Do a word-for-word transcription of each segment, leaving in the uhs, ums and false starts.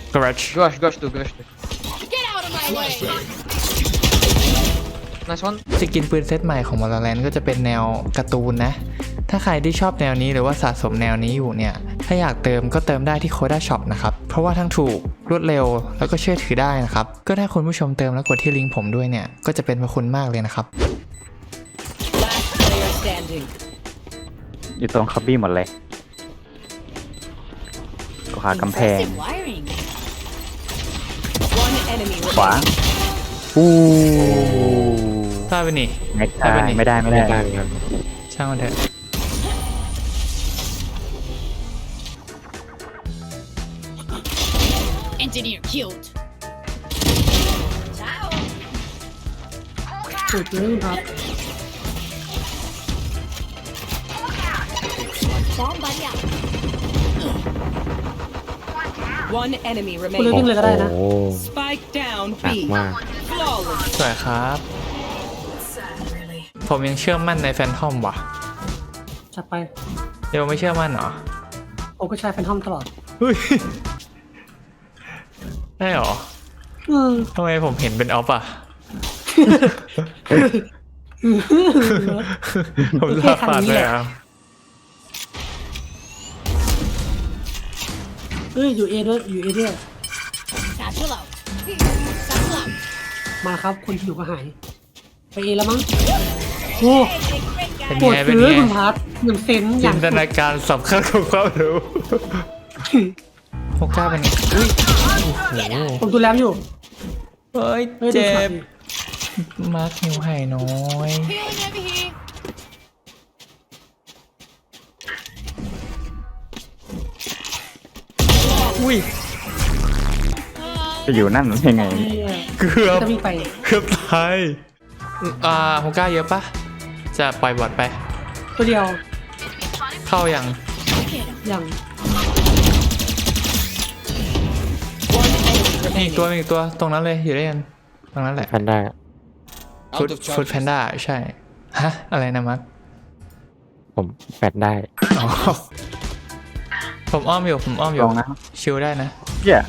garage Gosh, gosh, do, gosh, do. Get out of my way! Nice one. สกินปืนเซตใหม่ของ Valorant ก็จะเป็นแนวการ์ตูนนะถ้าใครที่ชอบแนวนี้หรือว่าสะสมแนวนี้อยู่เนี่ยถ้าอยากเติมก็เติมได้ที่ Koda Shop นะครับเพราะว่าทั้งถูกรวดเร็วแล้วก็เชื่อถือได้นะครับก็ถ้าคุณผู้ชมเติมแล้วกดที่ลิงก์ผมด้วยเนี่ยก็จะเป็นพระคุณมากเลยนะครับ Last player standing. อยู่ตรงคับบี้หมดเลยขวากำแพง Impressive wiring. One enemy ขวา remaining. อู้ทราบไปนี่ไม่ได้ไม่ได้ไม่ได้ช่างมันเถอะ Engineer killed. Ciao. สุดเลยครับ Bomb buddy out. One enemy คุณเลยวิ่ง remaining. เลยก็ได้นะโอ้ Spike down หนัก B. มาก Flawless. สวยครับ ผมยังเชื่อมั่นในแฟนทอมว่ะจัดไปเดี๋ยวไม่เชื่อมั่นเหรอโอ้ก็ใช้แฟนทอมตลอดเฮ้ยได้เหรออืมทำไมผมเห็นเป็นออฟอ่ะ ผมลาฝาดเลยอ่ะเอ้ยอยู่เอด้วยอยู่เอด้วย Satchel out. Satchel out. มาครับคนที่อยู่ก็หายไปเอแล้วมั้งโอ้เป็นปวดไงเป็นซื้อไงคุณพัดหนึ่งเซนอจิย่างนตนาการสำคัญของความรู้โฮก้าเป็นไงอุ้ยโอ้โหผมดูแลอยู่เฮ้ยฮ้ยดูเจ็ฉากบดิมาร์คหิวไห่น้อย Healing over here. อุ้ยจะอยู่นั่นยังไงเหี้ยเกือบจะวิ่งไปเกือบตายอ่าโฮก้าเยอะปะจะปล่อยบอดไปตัวเดียวเข้ายังอย่าง One enemy มีอีก remaining. ตัวมีอีกตัวตรงนั้นเลยอยู่ด้วยกันตรงนั้นแหละแพนด้าฟุตฟุตแพนด้าใช่ฮะอะไรนะมัดผมแปดได้อ๋อผมอ้อมอยู่ผมอ้อมอยู่ลองนะชิลได้นะเหี้ย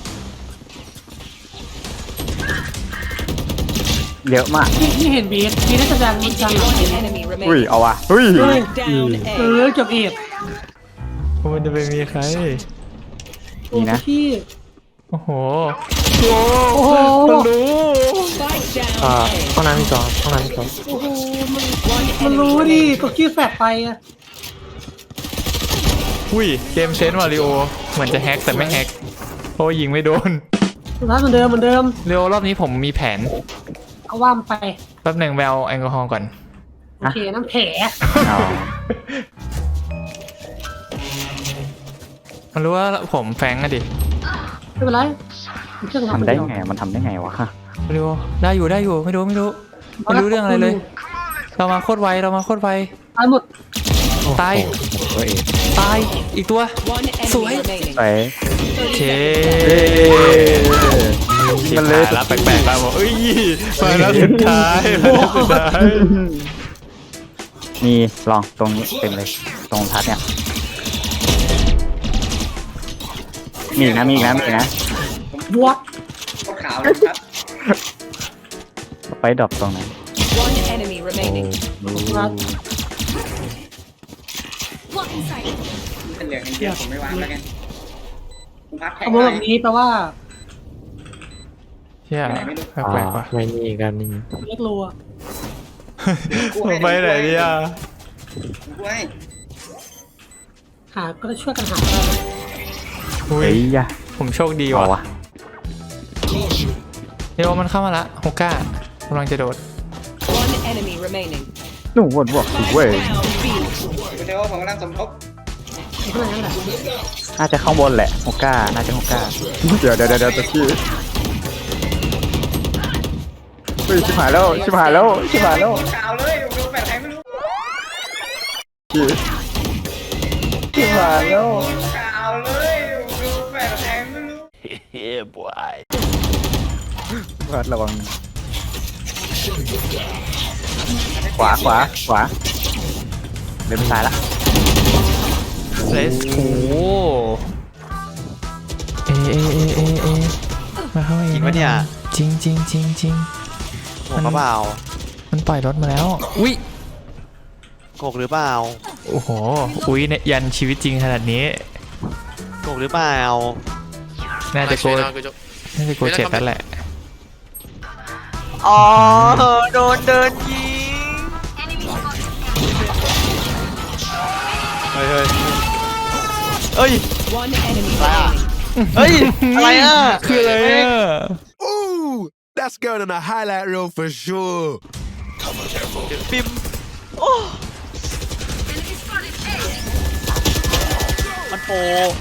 เยอะมากที่ที่เห็นบีทบีทน่าจะดังดังหลัง One เอ enemy อุ้ย remaining. เอาว่ะเฮ้ยเฮ้ย Down เอ A. อเกือบเอ็ดมันจะไปมีใครโอ้นี่นะพี่โอ้โหโอ้โหมันรู้ Spike down อ่า A. ห้องน้ำมีจอห้องน้ำมีจอโอ้โหมัน One มัน enemy รู้ดิ remaining. ตัวขี้แฝดไปอะอุ้ยเกมเซนต์วาริโอเหมือนจะแฮกแต่ไม่แฮกเพราะว่ายิงไม่โดนสุดท้ายเหมือนเดิมเหมือนเดิมเร็วรอบนี้ผมมีแผนเอาว่ามไปแป๊บหนึ่งไปเอาแอลกอฮอล์ก่อนโอเคน้ำแผลเอามันรู้ว่าผมแฟงอะดิไม่เป็นไรเครื่องทำได้ไงมันทำได้ไงวะวาริโอได้อยู่ได้อยู่ไม่รู้ไม่รู้ไม่รู้เรื่องอะไรเลย เรามาโคตรไวเรามาโคตรไวตายหมดตายโอ้โหตัวเองตายอีกตัว One enemy Sủi. remaining. ไปโอเคเอ้ยมันเลยแล้วแปลกๆแล้วบอกเอ้ยมาแล้วสุดท้ายมาแล้วสุดท้ายมีลองตรงนี้เต็มเลย ตรงทัดเนี่ยมีอีกนะมีอีกนะมีอีกนะบวกขาวเลยครับไปดรอปตรงนั้น One enemy remaining. เป็นเหลืองอย่างเดียวผมไม่วางแล้วกันคุณพัดแทงขโมยแบบนี้แปลว่าเชี่ยแปลกๆว่ะไม่มีกันนี่เล็กรัวผมไปไหนดีอ่ะด้วยหาก็จะช่วยกันหาได้อุ้เฮ้ยยยะผมโชคดีเอาว่ะวะเดี๋ยวมันเข้ามาละโฮก้ากำลังจะโดด One enemy remaining. หนูบวกบวกสิเว้ย Down B. คุณเทวผมกำลังสมทบขนาดนั้นแหละน่าจะข้างบนแหละฮกก้าน่าจะฮกก้าเดี๋ยวเดี๋ยวเดี๋ยวเดี๋ยวตะกี้เฮ้ยชิบหายแล้วชิบหายแล้วชิบหายแล้วขาวเลยผมดูแปดแทงไม่รู้ชิบหายแล้วขาวเลยผมดูแปดแทงไม่รู้วัดระวังขวาขวาขวาเดินไปซ้ายละเลสโอ้เอเอเอเอปะเนี่ยจริงจริงจริงจริงโกกหรือเปล่ามันปล่อยรถมาแล้ว อุ้ยโกกหรือเปล่าโอ้โห อุ้ยเนี่ยยันชีวิตจริงขนาดนี้โกกหรือเปล่าน่าจะโก Nice, Reina, good job. น่าจะโกเจ็บแล้วแหละอ๋อโดนเดินยิงเฮ้ยเฮ้ยเฮ้ย One enemy Wow. remaining. เฮ้ยอะไรอ่ะคืออะไรอ่ะ Ooh, that's good on a highlight reel for sure. ปิมโอ้มันโป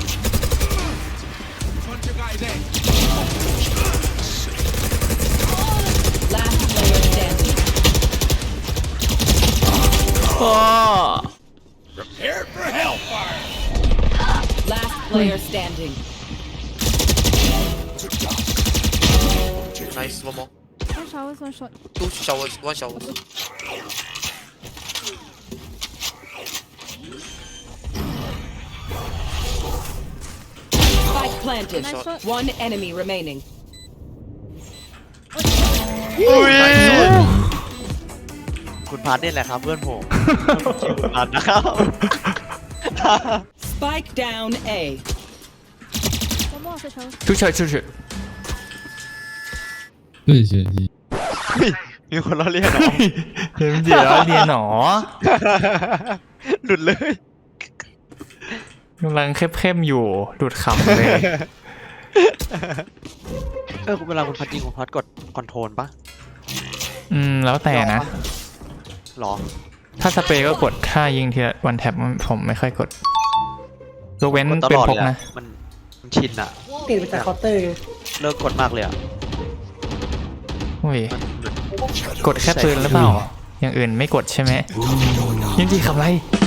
Last player standing. อ๋อ Last player standing. Nice, one more. One showers, one shot. Two showers, one shower. Spike planted. Nice shot. One enemy remaining. อุ้ยคุณพัดนี่แหละครับเพื่อนผมชื่อคุณพัดนะครับ Spike down A. One more after showers. 出去出去对学习。 มีคนเราเรียกเหรอเดี๋ยวเดี๋ยวเรียนหนอหลุดเลยกำลังเข้มๆอยู่ดูดขำเลยเออเวลาคุณพัดยิงคุณพัดกดคอนโทรลปะอืม แล้วแต่นะหรอถ้าสเปรย์ก็กด ถ้ายิงทีละวันแท็บผมไม่ค่อยกดยกเว้นกดตเป็นลอดพเลกยนะอะมันมันชินอะเปลี่ยนไปจากเคาน์เตอร์ไงเลิกกดมากเลยอะอุ้ยมันหลุดกดแค่ปืนหรือเปล่า อย่างอื่นไม่กดใช่ไหมยิงจีคำไร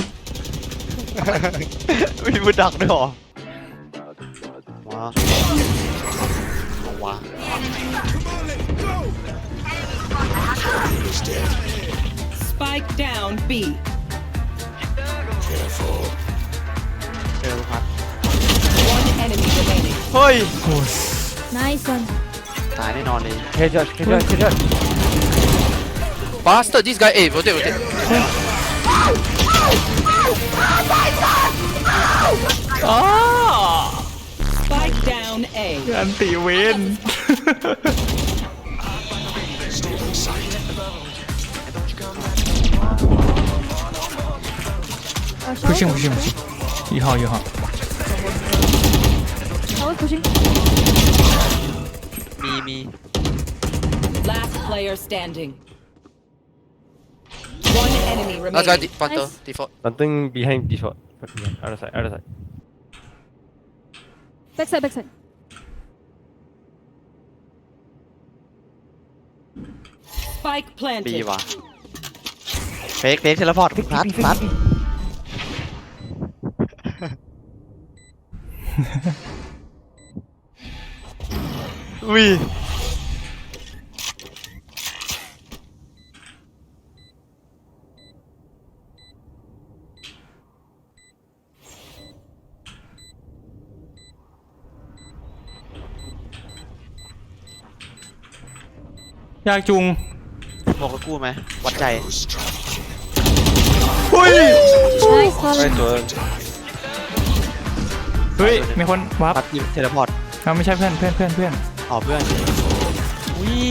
มีมือดักด้วยเหรอว้าว้า Spike down B. เจอคุณพัด One enemy remaining. เฮ้ย Nice one. ตายแน่นอนเลยเคเจอเคเจอเคเจอ Bastard, this guy. Hey, rotate, rotate. Spike down A. อันติเวน Uh, 不行 showers. 不行不行，一号一号， Showers pushing. มีมี Last player standing. One enemy Last guy, remaining. de- Panther, Nice. default. Something behind default. Other side, other side. Backside, backside. Spike ดี planted. ว่ะเฟกเฟกเทเลพอร์ตคุณพัดคุณพัดอุ้ยยากจุงบอกกับกูไหมวัดใจ Nice one. เฮ้ย มีคนวับพัดยิงเทเลพอร์ตเอาไม่ใช่เพื่อนเพื่อนเพื่อนเพื่อนอ๋อเพื่อนอุ้ย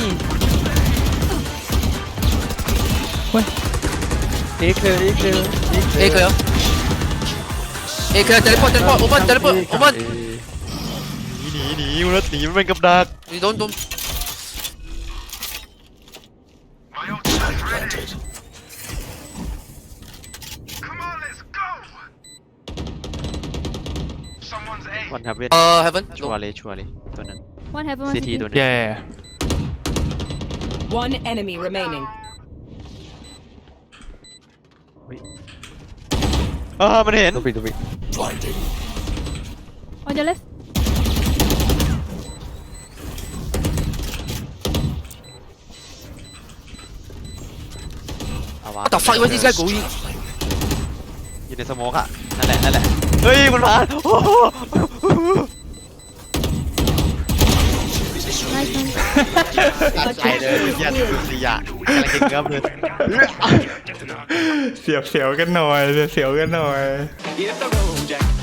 A clear, A clear, A Hey, clear. Hey, clear. Teleport, teleport. Open, teleport. Open. หนีหนีหนีมันหนีมันเป็นกับดัก You don't, don't. One heaven Uh, heaven. ชัว No. ร์เลยชัวร์เลยตัวนั้น One heaven, one ซีที city. ตัวนึงแย่ One enemy remaining. เออมันเห็น Don't be, don't be. On your left. เอาวะ What the fuck? Where's this guy going? อยู่ในสโมกอะนั่นแหละนั่นแหละเฮ้ยมันผ่านโอ้โห Nice one. ตัดใจเลยเหี้ยดูสิอ่ะกำลังกินเนื้อเลยเสียวเสียวๆกันหน่อยเสียวๆกันหน่อย Hit the road, Jack.